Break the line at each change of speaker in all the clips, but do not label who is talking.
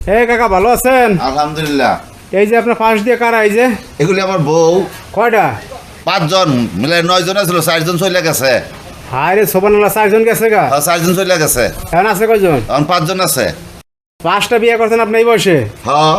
এই কাকা ভালো আছেন?
আলহামদুলিল্লাহ।
এই যে আপনার পাশ দিয়ে কারা? এই যে
এগুলি আমার বউ।
কয়টা?
5 জন মিলে 9 জন ছিল, 4 জন চলে গেছে।
হায় রে সোবানাল্লাহ, 4 জন গেছে গা?
4 জন চলে গেছে।
এখন আছে কয়জন?
এখন 5 জন আছে।
5টা বিয়ে করছেন আপনি এই বয়সে?
হ্যাঁ।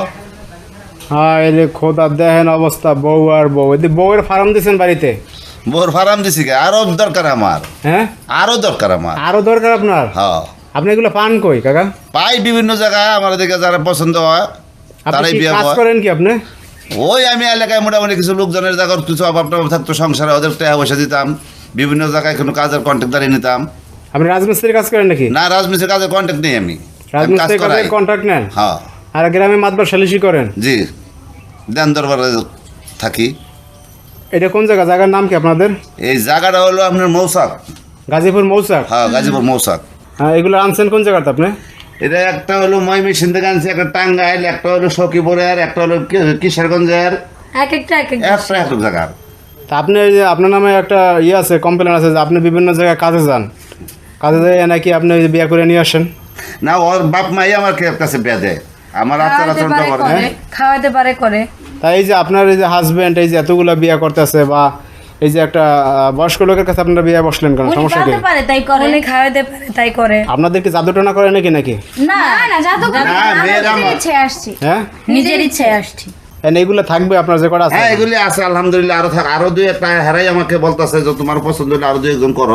হায় রে খোদা, দেখেন অবস্থা, বউ আর বউ। এই বউয়ের ফার্ম দিয়েছেন বাড়িতে?
বউর ফার্ম দিছি কে? আরো দরকার আমার।
হ্যাঁ,
আরো দরকার আমার।
আরো দরকার আপনার?
হ্যাঁ।
আপনি এগুলো পান কই কাকা?
পাই বিভিন্ন জায়গায়, আমার দিকে যারা পছন্দ হয়
আপনি
তারাই
কি
বিয়ে
কাজ
করে।
করেন কি আপনি?
ওই আমি এলাকায় মোটামুটি কিছু লোকজনের জায়গার কিছু অভাব টভাব থাকতো সংসারে, ওদের টাকা পয়সা দিতাম, বিভিন্ন জায়গায় কোনো কাজের কন্ট্যাক্ট দাঁড়িয়ে নিতাম।
আপনি রাজমিস্ত্রির কাজ করেন নাকি?
না, রাজমিস্ত্রির কাজের কন্ট্যাক্ট নেই আমি। আমি কাজ
রাজমিস্ত্রির
করাই।
কাজের কন্ট্রাক্ট নেন?
হ্যাঁ।
আর গ্রামে মাতবার সালিশি করেন?
জি, দেন দরবারে থাকি।
এটা কোন জায়গা? জায়গার নাম কি আপনাদের?
এই জায়গাটা হলো আপনার মৌসাক।
গাজীপুর মৌচাক?
হ্যাঁ, গাজীপুর মৌসাক।
হ্যাঁ, এগুলো আনছেন কোন জায়গাতে আপনি?
এটা একটা হলো ময়মনসিংহ থেকে আনছি, একটা টাঙ্গাইল, একটা হলো সখীপুরের, একটা হলো কিশোরগঞ্জের,
এক একটা
এক জায়গার।
তা আপনি এই যে আপনার নামে একটা ইয়ে আছে, কমপ্লেন আছে যে আপনি বিভিন্ন জায়গায় কাজে যান, কাজে যাই নাকি আপনি ওই যে বিয়ে করে নিয়ে আসেন?
না, ওর বাপ মাই আমার কাছে বিয়া দেয়, আমার আচার আচরণটা করে। হ্যাঁ,
খাওয়াতে পারে করে।
তাই এই যে আপনার এই যে হাজবেন্ড এই যে এতগুলো বিয়ে করতেছে, বা এই যে একটা বয়স্ক লোকের কাছে আপনারা বিয়ে বসলেন কেন? সমস্যা কি?
খাওয়াতে পারে তাই করে, উনি খাওয়াতে পারে তাই করে।
আপনাদের কি জাদুটনা করে নাকি নাকি?
না না, জাদু করে
না, মেয়েরা আমার-
ইচ্ছে আসছি,
হ্যাঁ,
নিজের ইচ্ছে আসছি।
এইগুলো থাকবে আপনার যে কটা আছে?
হ্যাঁ, এগুলি আছে আলহামদুলিল্লাহ। আরো দুই একটা হেরাই আমাকে বলতেছে যে তোমার পছন্দ হলে আরো 2 একজন করো।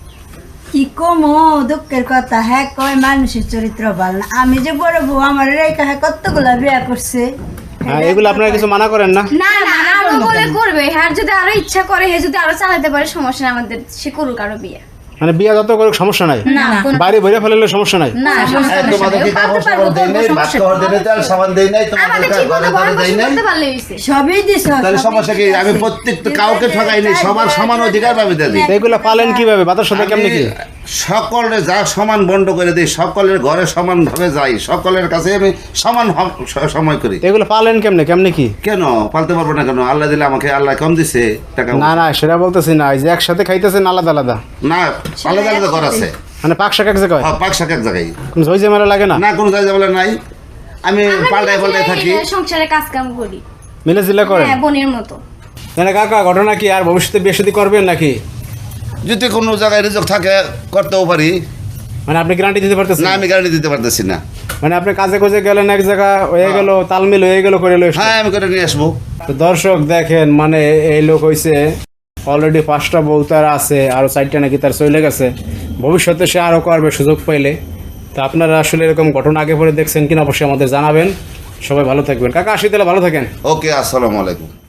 কি কমো দুঃখের কথা, হ্যাঁ কয় মানুষের চরিত্র ভালো না। আমি যে বড় বউ, আমার রেখা হ্যাঁ কতগুলা বিয়া করছে।
হ্যাঁ, এগুলো আপনারা কিছু মানা করেন না?
না না, আরো বলে করবে। হ্যাঁ, যদি আরো ইচ্ছা করে, হে যদি আরো চালাতে পারে, সমস্যা নেই আমাদের, সে করুক আরো বিয়ে।
মানে বিয়ে যত করুক সমস্যা নাই,
না
বাড়ি ভরে ফেললে সমস্যা নাই?
না,
হ্যাঁ, তোমাদের কি কাপড় সাবান দেই নাই, ভাত খাওয়ার দেই নাই, তেল সাবান দেই নাই, তোমাদের
আমাদের ঠিক মতো
ঘরে
গরম
দেই
গোসল
নাই,
করতে পারলে হইছে।
সবই দিছ।
তাহলে সমস্যা কি? আমি প্রত্যেকটা কাউকে ঠকাই নাই, সবার সমান অধিকার পাবে দিই।
তো এগুলো পালেন কিভাবে? বাতার সাথে কেমনি কি?
সকলের যা সমান বন্ড করে দিই, সকলের ঘরে সমান ভাবে যাই, সকলের কাছে আমি সমান সময় করি।
তো এগুলো পালেন কেমনে কেমনি কি?
কেন পালতে পারবো না? কেন? আল্লাহ দিলে আমাকে, আল্লাহ কম দিছে টাকা।
না না, সেটা বলতেছি না, এই যে একসাথে খাইতেছেন আলাদা আলাদা,
না, আলাদা আলাদা ঘর আছে।
মানে পাক শাক এক জায়গায়,
হ্যাঁ, পাক শাক এক জায়গায়।
কোনো ঝই ঝামেলা লাগে না?
না, কোনো জায়গা বলে নাই। আমি পাল্টায় পাল্টায় থাকি।
সংসারে কাজ কাম করি,
মিলে জিলে করেন?
হ্যাঁ, বোনের মতো।
না কাকা, ঘটনা কি আর ভবিষ্যতে বিয়ে শাদী করবেন নাকি?
যদি কোনো জায়গায় রিজক থাকে করতেও পারি।
মানে আপনি গ্যারান্টি দিতে পারতেছেন
না, আমি গ্যারান্টি দিতে পারতেছি না।
মানে আপনি কাজে কোজে গেলেন, এক জায়গা হয়ে গেল, তালমিল হয়ে গেল, করে লইস।
হ্যাঁ, আমি করে নিয়ে আসবো।
তো দর্শক দেখেন, মানে এই লোক হইছে অলরেডি 5টা বউ তার আছে, আরো 4টা নাকি তার চলে গেছে, ভবিষ্যতে সে আরো করবে সুযোগ পাইলে। তো আপনারা আসলে এরকম ঘটনা আগে পরে দেখছেন কিনা অবশ্যই আমাদের জানাবেন। সবাই ভালো থাকবেন কাকা, আসি তাহলে, ভালো থাকেন।
ওকে, আসসালামু আলাইকুম।